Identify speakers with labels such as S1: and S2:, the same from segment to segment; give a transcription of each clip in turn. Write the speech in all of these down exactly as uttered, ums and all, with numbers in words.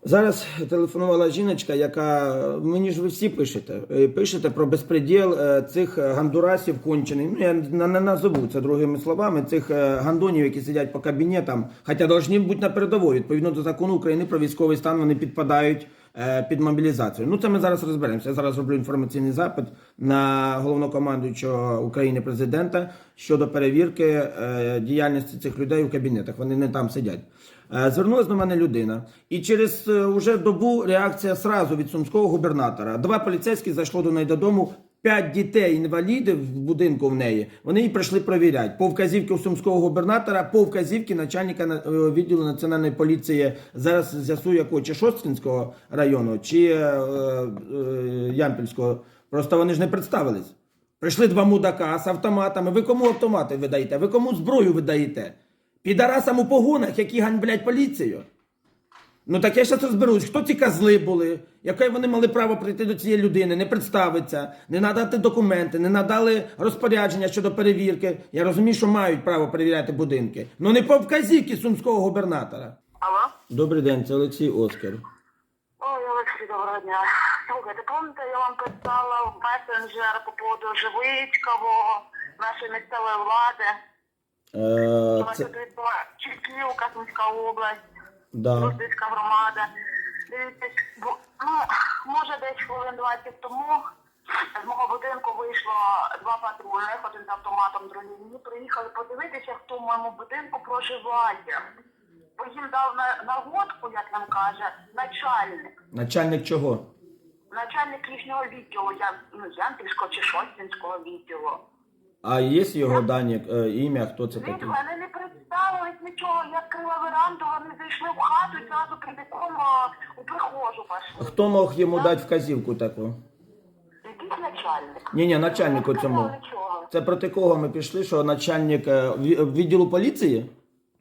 S1: Зараз телефонувала жіночка, яка, мені ж ви всі пишете, пишете про безпреділ цих гандурасів кончених, ну я не назову це другими словами, цих гандонів, які сидять по кабінетам, хоча повинні бути на передовій, відповідно до закону України про військовий стан, вони підпадають під мобілізацію. Ну це ми зараз розберемося. Я зараз роблю інформаційний запит на головнокомандуючого України президента щодо перевірки діяльності цих людей у кабінетах. Вони не там сидять. Звернулася до мене людина, і через уже добу реакція сразу від сумського губернатора. Два поліцейські зайшло до неї додому, п'ять дітей-інвалідів в будинку в неї, вони її прийшли перевіряти. По вказівці у сумського губернатора, по вказівці начальника відділу національної поліції, зараз з'ясую якого, чи Шосткинського району, чи е, е, Ямпільського. Просто вони ж не представились. Прийшли два мудака з автоматами. Ви кому автомати видаєте? Ви кому зброю видаєте? Підарасам у погонах, які ганьблять поліцію. Ну так я зараз розберусь, хто ці козли були, яке вони мали право прийти до цієї людини, не представитися, не надати документи, не надали розпорядження щодо перевірки. Я розумію, що мають право перевіряти будинки. Ну не по вказівці сумського губернатора.
S2: Алло?
S1: Добрий день, це Олексій Оскар.
S2: Ой, Олексій, доброго дня. Слухайте, пам'ятаєте, я вам писала в месенджер по поводу Живицького, нашої місцевої влади.
S1: Е,
S2: Це... Тут відбувається Чеківка, Сумська область,
S1: да.
S2: Русицька громада. Дивіться, бо, ну, може десь хвилин двадцять тому з мого будинку вийшло два патрульних, один з автоматом, другий. Мені приїхали подивитися, хто в моєму будинку проживає. Бо їм дав на, нагодку, як нам каже, начальник.
S1: Начальник чого?
S2: Начальник їхнього відділу, я, ну, Ямпільського чи Шосткинського відділу.
S1: А є його дані, е, ім'я, хто це
S2: Від
S1: такий?
S2: мене не представились нічого, я відкрила веранду, вони зайшли в хату і зразу прямиком у прихожу пішли.
S1: Хто мог йому дати вказівку таку?
S2: Якийсь начальник.
S1: Ні-ні, начальнику
S2: Не
S1: цьому.
S2: сказав нічого.
S1: Це проти кого ми пішли, що начальник е, ві- відділу поліції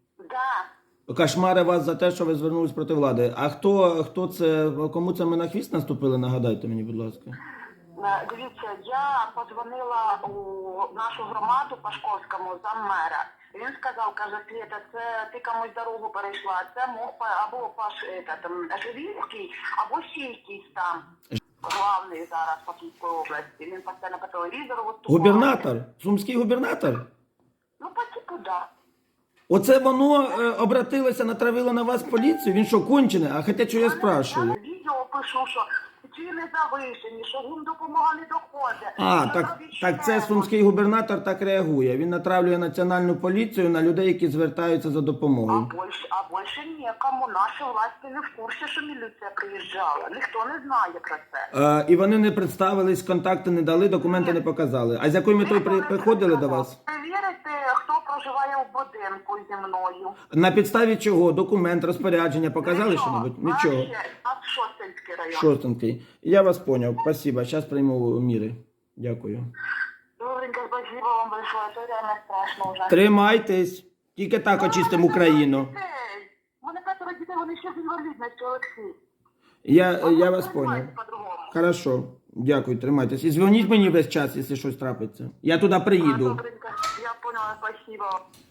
S2: Да.
S1: кошмари вас за те, що ви звернулись проти влади. А хто, хто це, кому це ми на хвіст наступили, нагадайте мені, будь ласка.
S2: Е, Дивіться, я подзвонила у нашу громаду Пашковському, заммера. Він сказав, каже, Свєта, це ти комусь дорогу перейшла, це мог па- або Паш е, там, Живінський, або ще якийсь там главний зараз по Київській області. Він постійно по телевізору виступає.
S1: Губернатор? Сумський губернатор?
S2: Ну, по типу, да.
S1: Оце воно е, обратилося, натравило на вас поліцію? Він що, кончене? А хоча, що я
S2: Я
S1: спрашиваю?
S2: відео пишу, що ціни завишені, що їм допомога не доходить.
S1: А,
S2: що
S1: так,
S2: робіть
S1: так це
S2: ще.
S1: сумський губернатор так реагує. Він натравлює національну поліцію на людей, які звертаються за
S2: А
S1: допомогою.
S2: більше, а більше ніякому. Наші власті не в курсі, що міліція приїжджала. Ніхто не знає про це.
S1: Е, і вони не представились, контакти не дали, документи не показали. А з якою метою при, приходили до вас?
S2: Перевірити, хто проживає у будинку зі мною.
S1: На підставі чого? Документ, розпорядження показали що-небудь? Нічого.
S2: Вообще, а Шосткинський район.
S1: Шостенький. Я вас понял. Спасибо. Сейчас прийму міри. Дякую.
S2: Добренько, спасибо вам большое. Це реально страшно вже.
S1: Тримайтесь. Тільки так очистимо Україну.
S2: У мене п'ятеро дітей, вони ще з інвалідністю, Олексій.
S1: Я, я вас
S2: Понимаете
S1: понял.
S2: по-другому.
S1: Хорошо. Дякую, тримайтесь. І дзвоніть мені весь час, якщо щось трапиться. Я туди
S2: А,
S1: приїду.
S2: добренько, я поняла, спасибо.